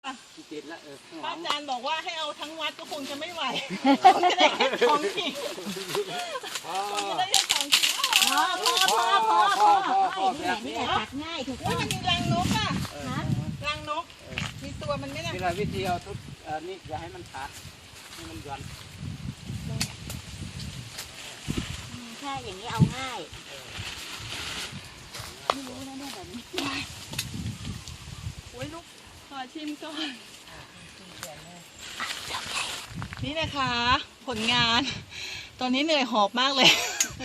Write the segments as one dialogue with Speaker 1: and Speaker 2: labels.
Speaker 1: ป่ะ
Speaker 2: ติดละ
Speaker 1: พระอาจารย์บอกว่าให้เอาทั้งวัดก็คงจะไม่ไหวคงจะได้แค่2 กิ่งคงจะได้แค่2 กิ่ง
Speaker 3: พอนี่แหละตัดง่ายถูก
Speaker 1: ว่า
Speaker 3: ต้อง
Speaker 1: มันมีรังนกอ่ะรังนกมีตัวมันไหมเนี่ย
Speaker 2: วิธีเอาทุกนี่อย่าให้มันขาดให้มันย้อน
Speaker 3: แค่อย่างนี้เอาง่ายไม่รู้นะเนี่ยแบบนี้
Speaker 1: โอ้ยลูกขอชิมก่อนนี่นะคะผลงานตอนนี้เหนื่อยหอบมากเลย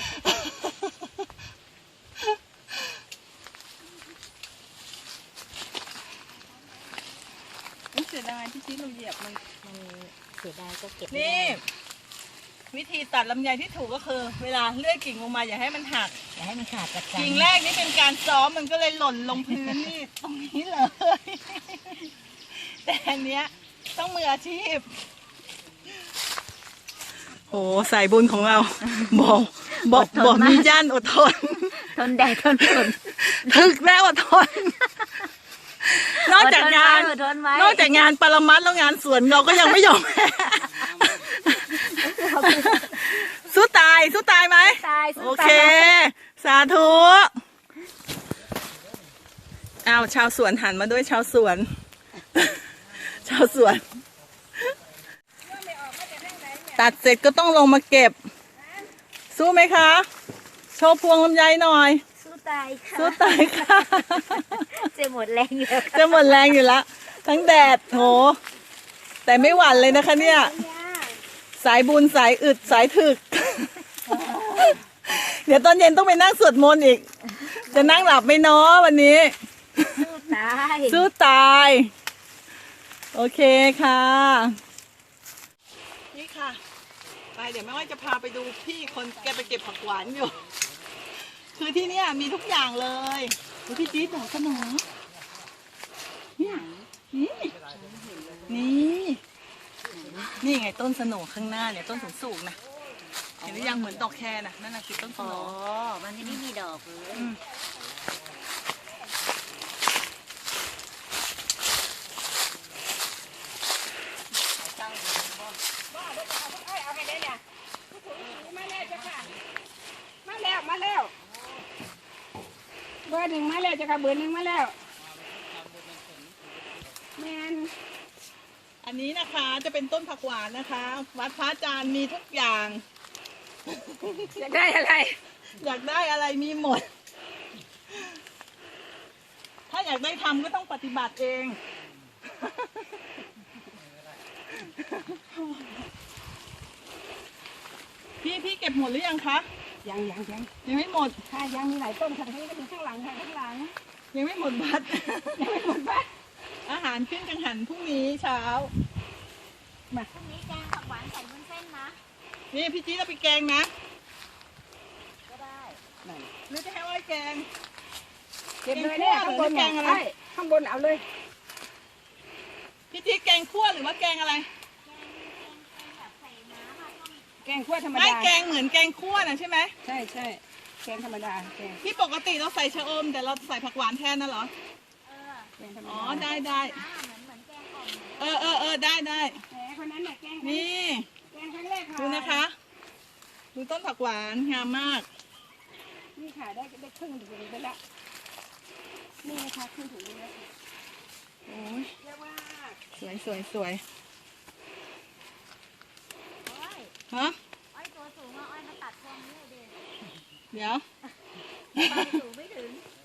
Speaker 1: เสียดายที่เราเหยียบมัน
Speaker 3: เสียดายก็เก็บ
Speaker 1: นี่วิธีตัดลำไยที่ถูกก็คือ เวลาเลื่อยกิ่งลงมาอย่าให้มันหัก
Speaker 3: อย่าให้มันขาดจากกัน
Speaker 1: กิ่งแรกนี่เป็นการซ้อมมันก็เลยหล่นลงพื้นนี่ตรงนี้เลย แต่อันเนี้ยต้องมืออาชีพโอ้สายบุญของเราบอกมีย่านอดทน
Speaker 3: ทนแดดทนฝน
Speaker 1: ถึกแล้วอดทนนอกจากงานปรมัตถ์แล้วงานสวนเราก็ยังไม่ยอมแพ้สู้ตายไหมโอเคสาธุอ้าวชาวสวนหันมาด้วยชาวสวนตัดเสร็จก็ต้องลงมาเก็บสู้ไหมคะโชว์พวงลำไยหน่อย
Speaker 3: สู้ตายค่ะ จะหมดแรงอยู่
Speaker 1: แล้วทั้งแดดโหแต่ไม่หวั่นเลยนะคะเนี่ยสายบุญสายอึดสายถึก เดี๋ยวตอนเย็นต้องไปนั่งสวดมนต์อีกจะนั่งหลับไม่น้อวันนี้สู้ตายโอเคค่ะนี่ค่ะไปเดี๋ยวแม่ว่าจะพาไปดูพี่คนแกไปเก็บผักหวานอยู่คือที่เนี่ยมีทุกอย่างเลยดูพี่จี๊ดดอกสนอเนี่ยนี่ไงต้นสโหน่ข้างหน้าเนี่ยต้นสูงๆนะเห็นหรือยังเหมือนดอกแคร์นะนั่นน่ะคือต้นสโหน่
Speaker 3: มันจะไม่มีดอกเลย
Speaker 4: มาแล้วเบอร์ 1มาแล้วจ้ะค่ะเบอร์ 1มาแล้วแมน
Speaker 1: อันนี้นะคะจะเป็นต้นผักหวานนะคะวัดพระอาจารย์มีทุกอย่าง
Speaker 4: อยากได้อะไร
Speaker 1: มีหมดถ้าอยากได้ทำก็ต้องปฏิบัติเองพี่เก็บหมดหรือยังคะ
Speaker 4: ยัง
Speaker 1: ไม่หมด
Speaker 4: ค่ะยังมีหลายต้นค่ะทั้งนี้ก็มีข้างหลัง
Speaker 1: ยังไม่หมดบัตรอาหารขึ้นกังหันพรุ่งนี้เช้า
Speaker 3: พรุ่งนี้แกงผักหวานใส่วุ้นเส้นนะ
Speaker 1: นี่พี่จี๊ดเอาไปแกงนะ
Speaker 3: ก็ได้
Speaker 1: หรือจะให้อ้อยแกง
Speaker 4: เก็บเลยเนี่ยข้างบนแกงอะไรข้างบนเอาเลย
Speaker 1: พี่จี๊ดแกงคั่วหรือว่าแกงอะไร
Speaker 4: แกงคั่วธรรมดา
Speaker 1: ไม่แกงเหมือนแกงคั่วนะใช่ไหม
Speaker 4: ใช่แกงธรรมดาแกง
Speaker 1: ที่ปกติเราใส่ชะอมแต่เราใส่ผักหวานแทนน่ะเหรออ๋อได้
Speaker 3: เหมือนแกง
Speaker 1: อ่อมได้
Speaker 4: แหมคนนั้นน่ะแกง
Speaker 1: นี่
Speaker 4: แกงครั้งแรกค่ะ
Speaker 1: ดูนะคะดูต้นผักหวานงามมาก
Speaker 4: นี่ค่ะได้ครึ่งถุงไปแล้วนี่นะคะครึ่งถุงแล้ว
Speaker 1: โอ้ย
Speaker 4: เยอะมาก
Speaker 1: สวยฮะ
Speaker 3: อ้อยตัวสูงอ้อยมาตัดพวงนี้เลย
Speaker 1: เดี๋ยว
Speaker 3: สูงไม่ถึง